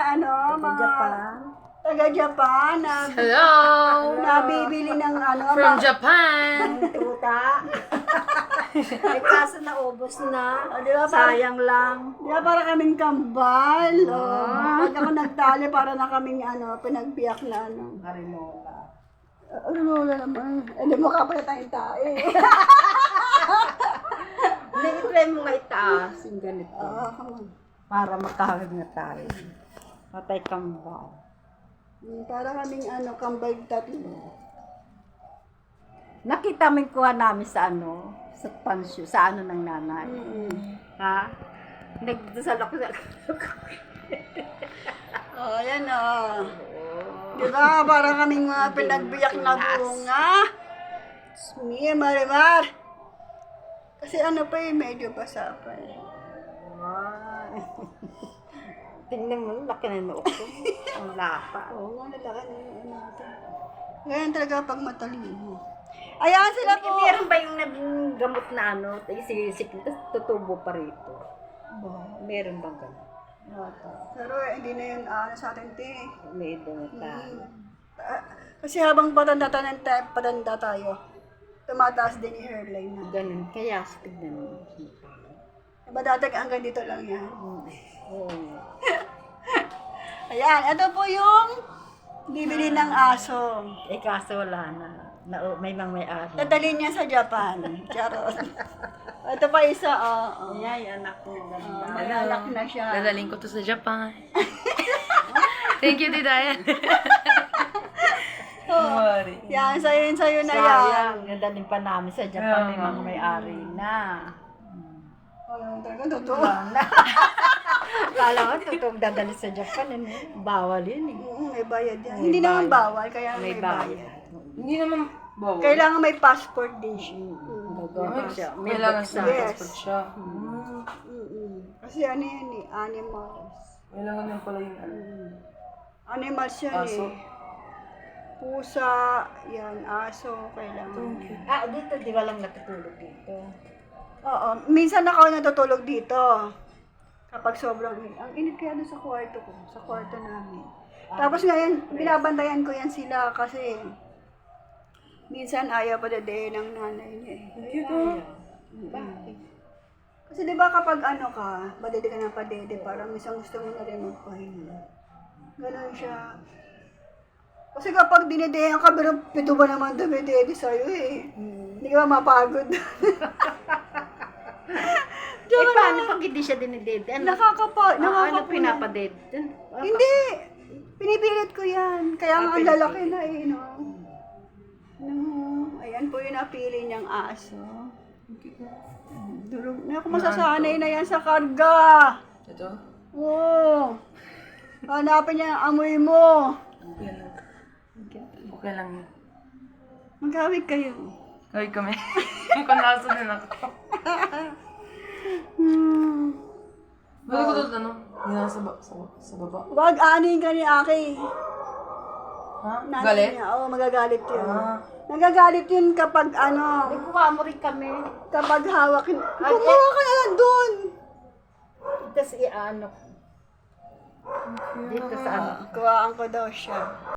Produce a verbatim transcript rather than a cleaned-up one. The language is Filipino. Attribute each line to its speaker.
Speaker 1: ano, mga
Speaker 2: Japan.
Speaker 1: taga-Japan na
Speaker 3: Hello!
Speaker 1: nabibili ng ano,
Speaker 3: From
Speaker 1: ma-
Speaker 3: Japan!
Speaker 2: Truta. Ay, kaso naubos na.
Speaker 1: Oh, di ba, parang-
Speaker 2: Sayang lang.
Speaker 1: Di ba para kaming kambal? Oh. Pag ako nagtali, para na kaming ano, pinagbiyak na ano.
Speaker 2: Marinola.
Speaker 1: Uh, ano wala naman? Eh, di mo kapalit tayong tae.
Speaker 2: Hindi, i-try mo nga itaas yung ganito.
Speaker 1: Ah, come on.
Speaker 2: Para makahawig na tayo. Patay kambal.
Speaker 1: Hmm, para kaming ano, kambal tatlo.
Speaker 2: Nakita mo yung kuha namin sa ano, sa pansyo, sa ano ng nanay.
Speaker 1: Mm-hmm.
Speaker 2: Ha? Nagdasalok sa
Speaker 1: Oh, yan oh. Di ba? Para kaming mga pinagbiyak na bunga. Mia, Marimar. Kasi ano pa eh, medyo basa pa eh.
Speaker 2: Tingnan mo, laki na noo ko. Ang lapa.
Speaker 1: Oo, oh, nalaki na yung ano natin. Ganyan talaga pag matalino. Ayan sila po.
Speaker 2: Meron ba yung naging gamot na ano, isisik, tapos tutubo pa rito? Meron bang ganun?
Speaker 1: Pero eh, hindi na yun ano sa atin, te.
Speaker 2: May na tayo.
Speaker 1: Ah, kasi habang patanda tayo, patanda tayo, tumataas din yung hairline na.
Speaker 2: Ganun. Kaya, tignan mo.
Speaker 1: Diba dati hanggang dito lang yan?
Speaker 2: Oo.
Speaker 1: Ayan, ito po yung bibili ng aso.
Speaker 2: Eh, kaso wala na. na may mga may-ari.
Speaker 1: Dadalhin niya sa Japan. Charot. Ito pa isa, oo. Oh,
Speaker 2: Ay, anak ko.
Speaker 1: oh, may anak na siya.
Speaker 3: Dadaling ko to sa Japan. Thank you, Didayan.
Speaker 1: Oh, yan, sa'yo yun, sa'yo na yan.
Speaker 2: Sayang. Nadaling pa namin sa Japan. May mga may-ari na.
Speaker 1: Oh, talaga, totoo.
Speaker 2: Kala ko, totoong dadali sa Japan. Ano? Bawal yun eh.
Speaker 1: Oo, may bayad yan.
Speaker 2: May
Speaker 1: Hindi naman
Speaker 2: bayad.
Speaker 1: bawal, kaya may,
Speaker 2: May
Speaker 1: bayad.
Speaker 2: bayad.
Speaker 3: Hindi naman bawal.
Speaker 1: Kailangan may passport din siya.
Speaker 2: Gagawa siya. May
Speaker 3: Kailangan
Speaker 2: buksa.
Speaker 3: sa
Speaker 1: Yes.
Speaker 3: passport siya.
Speaker 1: Mm-mm. Kasi ano yan eh, animals.
Speaker 3: Kailangan yan pala yung ano.
Speaker 1: Animals yan
Speaker 3: Aso.
Speaker 1: eh. Pusa, yan, aso, kailangan.
Speaker 2: Ah, dito, di ba lang natutulog dito?
Speaker 1: Oo, minsan ako natutulog dito. Kapag sobrang init. Ang init kaya doon sa kwarto ko, sa kwarto namin. Tapos ngayon, binabantayan ko yan sila kasi minsan ayaw pa dadayin ng nanay niya eh.
Speaker 2: Bakit?
Speaker 1: Kasi di ba kapag ano ka, badede ka ng padede, parang isang gusto mo na rin magpahinga. Ganon siya. Kasi kapag dinedehan ka, pero pito ba naman dumidede sa'yo eh. Hindi ka mapagod.
Speaker 2: Eh, paano pag hindi siya dinidede? Ano?
Speaker 1: Nakakapa,
Speaker 2: Ah, ano
Speaker 1: nakakapula.
Speaker 2: pinapadede?
Speaker 1: Hindi. Pinipilit ko yan. Kaya nga ang lalaki na eh, no? No. Ayan po yung napili niyang aso. Durog na ako masasanay na yan sa karga.
Speaker 3: Ito?
Speaker 1: Oo. Hanapin niya ang amoy mo.
Speaker 3: Yan lang. Okay lang yun.
Speaker 1: Magkawig kayo.
Speaker 3: Kawig kami. Mukhang nasa din ako.
Speaker 1: Hmm.
Speaker 3: Balik ko doon ano? Hindi na sa, ba- sa, sa baba.
Speaker 1: Wag anin ka ni Aki.
Speaker 3: Ha?
Speaker 1: Nanay
Speaker 3: Galit?
Speaker 1: niya. Oo, magagalit yun.
Speaker 3: Ah.
Speaker 1: Nagagalit yun kapag ano,
Speaker 2: Ay, kuha mo rin kami.
Speaker 1: kapag hawak. Kumuha ka na lang dun.
Speaker 2: Tapos i-ano. Dito sa ano.
Speaker 1: Kuhaan ko daw siya.